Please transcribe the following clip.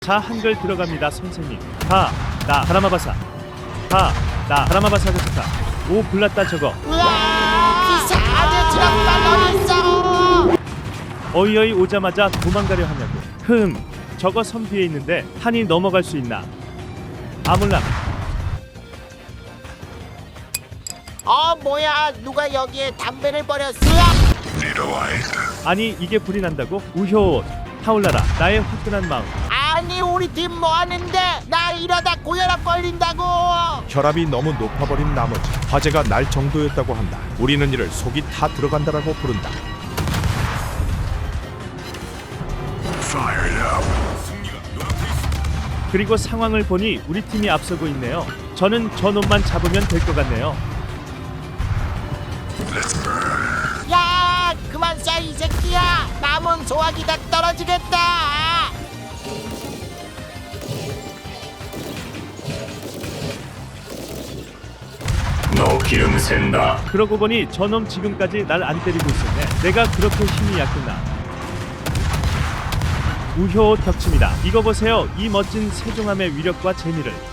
자, 한글 들어갑니다, 선생님. 나 가라마바사. 나 가라마바사 좋다. 오, 불났다 저거. 우와! 기사 안에 트럭발 어딨어? 어이어이 오자마자 도망가려 하냐고. 저거 섬 뒤에 있는데 한이 넘어갈 수 있나? 아몰라. 뭐야? 누가 여기에 담배를 버렸어? 아니 이게 불이 난다고? 우효 타올라라 나의 화끈한 마음. 아니 우리 팀 뭐하는데? 나 이러다 고혈압 걸린다고. 혈압이 너무 높아버린 나머지 화재가 날 정도였다고 한다. 우리는 이를 속이 타 들어간다라고 부른다. 그리고 상황을 보니 우리 팀이 앞서고 있네요. 저는 저 놈만 잡으면 될 것 같네요. 야, 그만 쏴 이 새끼야. 남은 소화기 다 떨어지겠다. 너 기름 샌다. 그러고 보니 저놈 지금까지 날 안 때리고 있었네. 내가 그렇게 힘이 약했나? 우효 격침이다. 이거 보세요. 이 멋진 세종함의 위력과 재미를.